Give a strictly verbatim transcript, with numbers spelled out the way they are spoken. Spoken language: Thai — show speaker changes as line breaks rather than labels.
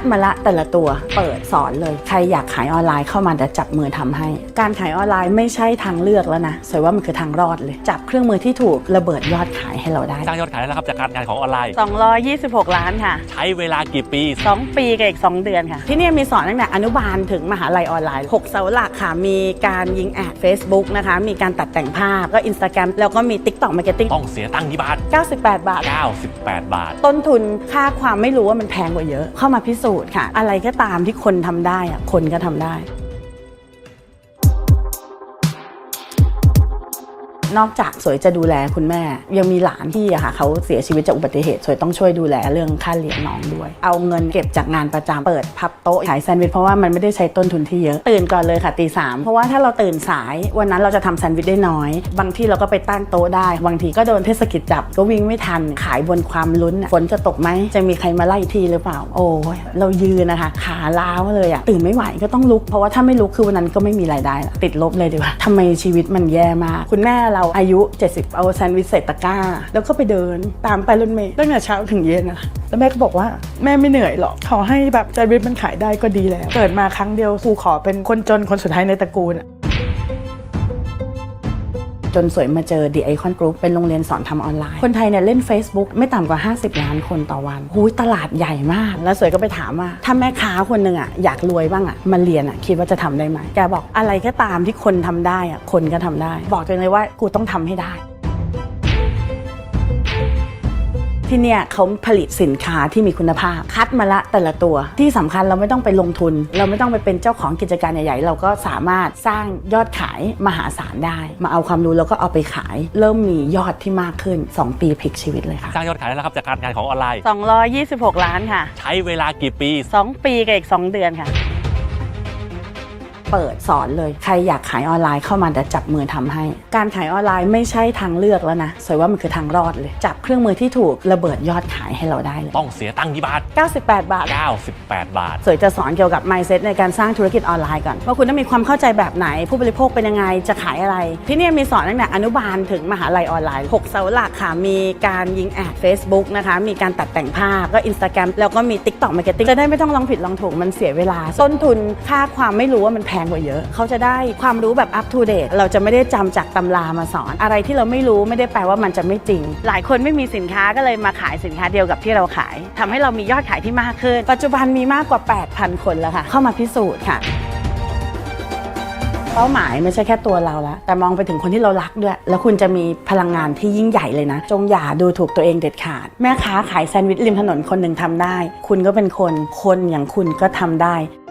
มาละแต่ละตัวเปิดสอนเลยใครอยากขายออนไลน์เข้ามาจะจับมือทำให้การขายออนไลน์ไม่ใช่ทางเลือกแล้วนะสวยว่ามันคือทางรอดเลยจับเครื่องมือที่ถูกระเบิดยอดขายให้เราได้
สร้างยอดขายได้แล้วครับจากการงานของออนไลน์
สองร้อยยี่สิบหกล้านค่ะ
ใช้เวลากี่ปี
สองปีกับอีกสองเดือนค่ะที่นี่มีสอนตั้งแต่อนุบาลถึงมหาลัยออนไลน์หกเสาหลักค่ะมีการยิงแอด Facebook นะคะมีการตัดแต่งภาพก็ Instagram แล้วก็มี TikTok Marketing
ต้องเสียตังค์กี่บาท
เก้าสิบแปดบาท
เก้าสิบแปดบาท
ต้นทุนค่าความไม่รู้ว่ามันแพงกว่าเยอะเข้ามาพิสูจน์ค่ะอะไรก็ตามที่คนทำได้อะคนก็ทำได้นอกจากสวยจะดูแลคุณแม่ยังมีหลานที่อะค่ะเขาเสียชีวิตจากอุบัติเหตุสวยต้องช่วยดูแลเรื่องค่าเลี้ยงน้องด้วยเอาเงินเก็บจากงานประจำเปิดพับโต๊ะขายแซนด์วิชเพราะว่ามันไม่ได้ใช้ต้นทุนที่เยอะตื่นก่อนเลยค่ะตีสามเพราะว่าถ้าเราตื่นสายวันนั้นเราจะทำแซนด์วิชได้น้อยบางที่เราก็ไปตั้งโต๊ะได้บางทีก็โดนเทศกิจจับก็วิ่งไม่ทันขายบนความลุ้นฝนจะตกไหมจะมีใครมาไล่ทีหรือเปล่าโอ้ยเรายืนนะคะขาล้าวเลยอะตื่นไม่ไหวก็ต้องลุกเพราะว่าถ้าไม่ลุกคือวันนั้นก็ไม่มีรายได้ติดลบเลยดีกว่าทำไมชีวิตมันแย่มากคุณแม่เราอายุเจ็ดสิบเอาแซนด์วิชใส่ตะกร้าแล้วก็ไปเดินตามไปรถเมล์ตั้งแต่เช้าถึงเย็นนะคะแล้วแม่ก็บอกว่าแม่ไม่เหนื่อยหรอกขอให้แบบแซนด์วิชมันขายได้ก็ดีแล้วเกิดมาครั้งเดียวครูขอเป็นคนจนคนสุดท้ายในตระกูลจนสวยมาเจอ The Icon Group เป็นโรงเรียนสอนทำออนไลน์คนไทยเนี่ยเล่น Facebook ไม่ต่ำกว่าห้าสิบล้านคนต่อวันหูยตลาดใหญ่มากแล้วสวยก็ไปถามว่าถ้าแม่ค้าคนหนึ่งอ่ะอยากรวยบ้างอ่ะมาเรียนอ่ะคิดว่าจะทำได้ไหมแกบอกอะไรก็ตามที่คนทำได้อ่ะคนก็ทำได้บอกตัวเองเลยว่ากูต้องทำให้ได้ที่เนี่ยเขาผลิตสินค้าที่มีคุณภาพคัดมาละแต่ละตัวที่สำคัญเราไม่ต้องไปลงทุนเราไม่ต้องไปเป็นเจ้าของกิจการใหญ่ๆเราก็สามารถสร้างยอดขายมหาศาลได้มาเอาความรู้แล้วก็เอาไปขายเริ่มมียอดที่มากขึ้นสองปีพลิกชีวิตเลยค่ะ
สร้างยอดขายได้แล้วครับจากการงานของออนไลน์
สองร้อยยี่สิบหกล้านค่ะ
ใช้เวลากี่ปี
สองปีกับอีกสองเดือนค่ะเปิดสอนเลยใครอยากขายออนไลน์เข้ามาจะจับมือทำให้การขายออนไลน์ไม่ใช่ทางเลือกแล้วนะสวยว่ามันคือทางรอดเลยจับเครื่องมือที่ถูกระเบิดยอดขายให้เราได้เลย
ต้องเสียตังค์กี่บาท
เก้าสิบแปดบาท
เก้าสิบแปดบาท
สวยจะสอนเกี่ยวกับ mindset ในการสร้างธุรกิจออนไลน์ก่อนว่าคุณต้องมีความเข้าใจแบบไหนผู้บริโภคเป็นยังไงจะขายอะไรที่นี่มีสอนตั้งแต่อนุบาลถึงมหาลัยออนไลน์หกเสาหลักค่ะมีการยิงแอด Facebook นะคะมีการตัดแต่งภาพก็ Instagram แล้วก็มี TikTok Marketing จะได้ไม่ต้องลองผิดลองถูกมันเสียเวลาต้นทุนค่าความไม่รู้ว่ามันแพงกว่าเยอะเขาจะได้ความรู้แบบ up to date เราจะไม่ได้จำจากตำรามาสอนอะไรที่เราไม่รู้ไม่ได้แปลว่ามันจะไม่จริงหลายคนไม่มีสินค้าก็เลยมาขายสินค้าเดียวกับที่เราขายทำให้เรามียอดขายที่มากขึ้นปัจจุบันมีมากกว่า แปดพัน คนแล้วค่ะเข้ามาพิสูจน์ค่ะเป้าหมายไม่ใช่แค่ตัวเราแล้วแต่มองไปถึงคนที่เรารักด้วยแล้วคุณจะมีพลังงานที่ยิ่งใหญ่เลยนะจงอย่าดูถูกตัวเองเด็ดขาดแม่ค้าขายแซนด์วิชริมถนนคนหนึ่งทำได้คุณก็เป็นคนคนอย่างคุณก็ทำได้